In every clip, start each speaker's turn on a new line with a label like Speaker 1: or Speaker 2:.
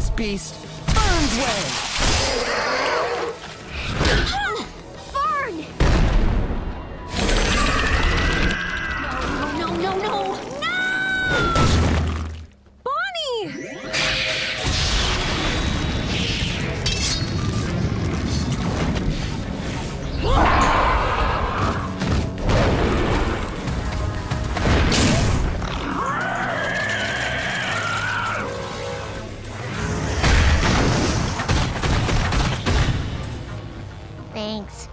Speaker 1: this beast Vern's way!
Speaker 2: Vern! No, no, no, no, no! No!
Speaker 3: Bonnie!
Speaker 2: Thanks.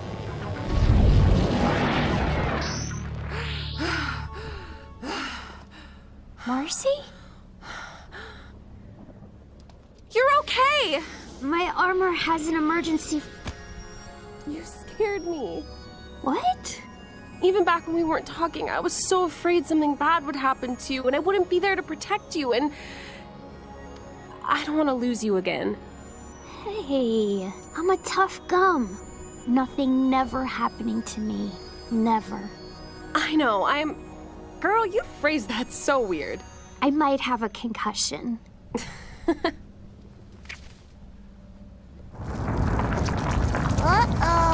Speaker 2: Marcy?
Speaker 3: You're okay!
Speaker 2: My armor has an emergency...
Speaker 3: You scared me.
Speaker 2: What?
Speaker 3: Even back when we weren't talking, I was so afraid something bad would happen to you and I wouldn't be there to protect you, and I don't want to lose you again.
Speaker 2: Hey, I'm a tough gum. Nothing never happening to me. Never.
Speaker 3: I know, Girl, you phrased that so weird.
Speaker 2: I might have a concussion. Uh-oh.